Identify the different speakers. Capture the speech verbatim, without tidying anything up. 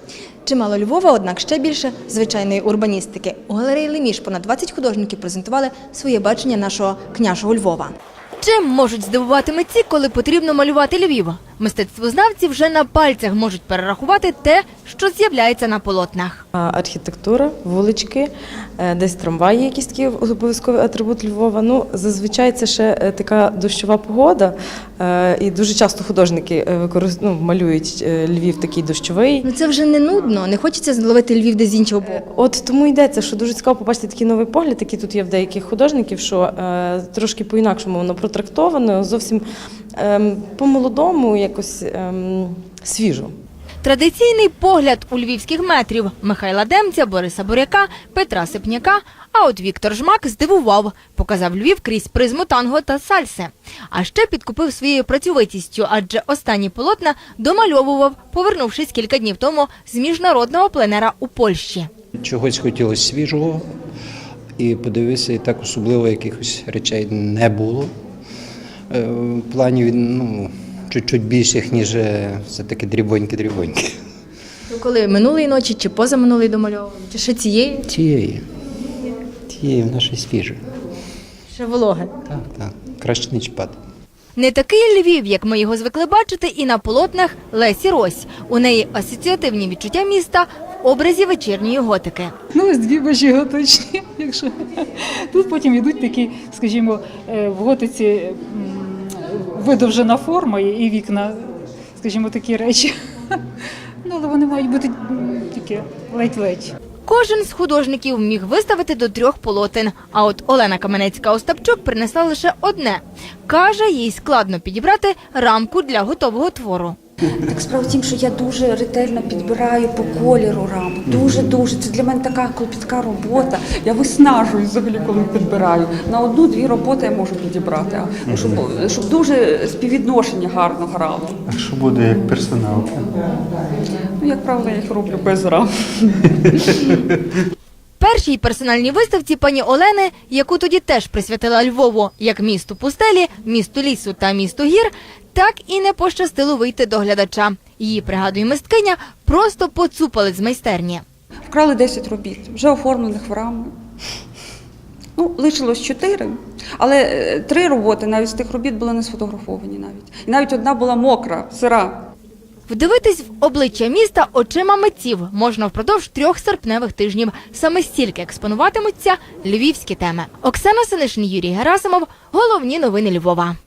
Speaker 1: Чимало Львова, однак ще більше звичайної урбаністики. У галереї «Леміш» понад двадцять художників презентували своє бачення нашого княжого Львова. Чим можуть здивувати митці, коли потрібно малюва Львів? Мистецтвознавці вже на пальцях можуть перерахувати те, що з'являється на полотнах.
Speaker 2: Архітектура, вулички, десь трамваї, якісь такі обов'язковий атрибут Львова. Ну, зазвичай це ще така дощова погода, і дуже часто художники ну, малюють Львів такий дощовий.
Speaker 1: Ну це вже не нудно, не хочеться зловити Львів десь з іншого боку.
Speaker 2: От тому йдеться, що дуже цікаво побачити такий новий погляд, який тут є в деяких художників, що е, трошки по-інакшому воно протрактовано, зовсім е, по-молодому, якось е, свіжо.
Speaker 1: Традиційний погляд у львівських метрів – Михайла Демця, Бориса Буряка, Петра Сипняка. А от Віктор Жмак здивував, показав Львів крізь призму танго та сальси. А ще підкупив своєю працьовитістю, адже останні полотна домальовував, повернувшись кілька днів тому з міжнародного пленера у Польщі.
Speaker 3: Чогось хотілося свіжого і подивитися, і так особливо якихось речей не було. В плані, ну, чуть-чуть більших, ніж все-таки дрібоньки-дрібоньки.
Speaker 1: Коли минулої ночі чи позаминулої домальовували? Чи ще цієї?
Speaker 3: Тієї. Тієї в нашій свіжої.
Speaker 1: Ще вологе.
Speaker 3: Так, так. Краще не чіпати.
Speaker 1: Не такий Львів, як ми його звикли бачити і на полотнах Лесі Рось. У неї асоціативні відчуття міста в образі вечірньої готики.
Speaker 4: Ну, ось дві божі готичні, якщо. Тут потім йдуть такі, скажімо, в готиці видовжена форма і вікна, скажімо, такі речі. Ну, але вони мають бути такі ледь-ледь.
Speaker 1: Кожен з художників міг виставити до трьох полотен, а от Олена Каменецька-Остапчук принесла лише одне. Каже, їй складно підібрати рамку для готового твору.
Speaker 5: Так справа в тім, що я дуже ретельно підбираю по кольору раму. Дуже-дуже. Це для мене така клопітка робота. Я виснажуюсь взагалі, коли підбираю. На одну-дві роботи я можу підібрати, щоб, щоб дуже співвідношення гарно грало.
Speaker 6: А що буде як персоналка?
Speaker 5: Ну, як правило, я їх роблю без рам.
Speaker 1: Першій персональній виставці пані Олени, яку тоді теж присвятила Львову як місту пустелі, місту лісу та місту гір, так і не пощастило вийти до глядача. Її, пригадує мисткиня, просто поцупали з майстерні.
Speaker 5: Вкрали десять робіт, вже оформлених в рами. Ну, лишилось чотири, але три роботи навіть з тих робіт були не сфотографовані навіть. І навіть одна була мокра, сира.
Speaker 1: Вдивитись в обличчя міста очима митців можна впродовж трьох серпневих тижнів. Саме стільки експонуватимуться львівські теми. Оксана Синишин, Юрій Герасимов. Головні новини Львова.